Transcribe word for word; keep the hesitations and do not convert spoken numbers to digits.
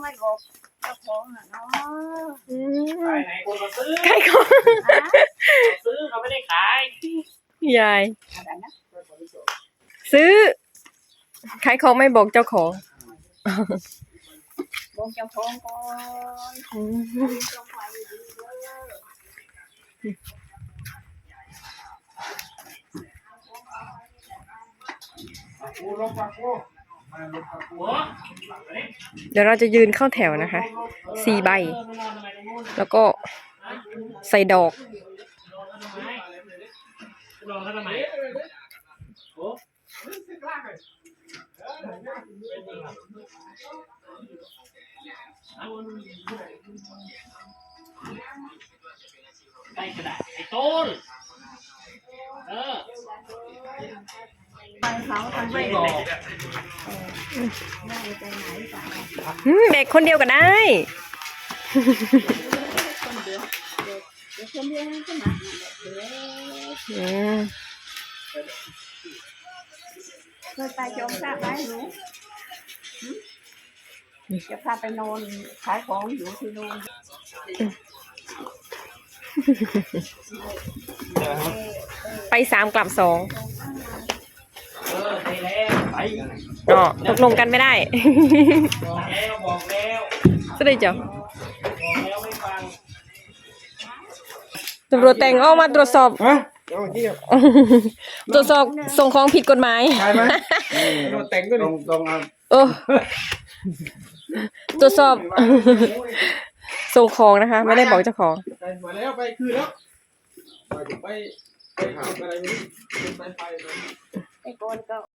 ไม่บอกเจ้าของอ่ะเนาะขายไหนคนมาซื้อขายของซื้อเขาไม่ได้ขายยายอะไรนะซื้อขายของไม่บอกเจ้าของบอกเจ้าของก่อนอืมลงไปดีเลยกูลงปากกูมาลงปากกูเดี๋ยวเราจะยืนเข้าแถวนะคะ สี่ใบ แล้วก็ใส่ดอกลองแล้วทำไมโอ้ไอ้กระดาษไอ้ต้นเออไปเขาทำไม่ไม่บอกได้ไปไหนจ้ะอืมเด็กคนเดียวก็ได้คนเดียวเด็กเด็กคนเดียวก็มาเด็กอืมเคยไปจงทราบไหมหนูจะพาไปนอนขายของอยู่ที่นู่นไปสามกลับสองเออไปแล้วไปอ๋อตกลงกันไม่ได้บอกแล้วบอกแล้วสวัสดีจ้ะบอกแล้วไม่ฟังตำรวจแต่งออกมาตรวจสอบฮะเอาเที่ยวตรวจสอบส่งของผิดกฎหมายใช่ไหมโดนแต่งก็ตรงตรงเอาเออตรวจสอบ ส่งของนะคะ ไม่ได้บอกเจ้าของไปมาแล้วไปคืนแล้วไปไปไปหาอะไรไม่รู้ไปไปไอ้คนก็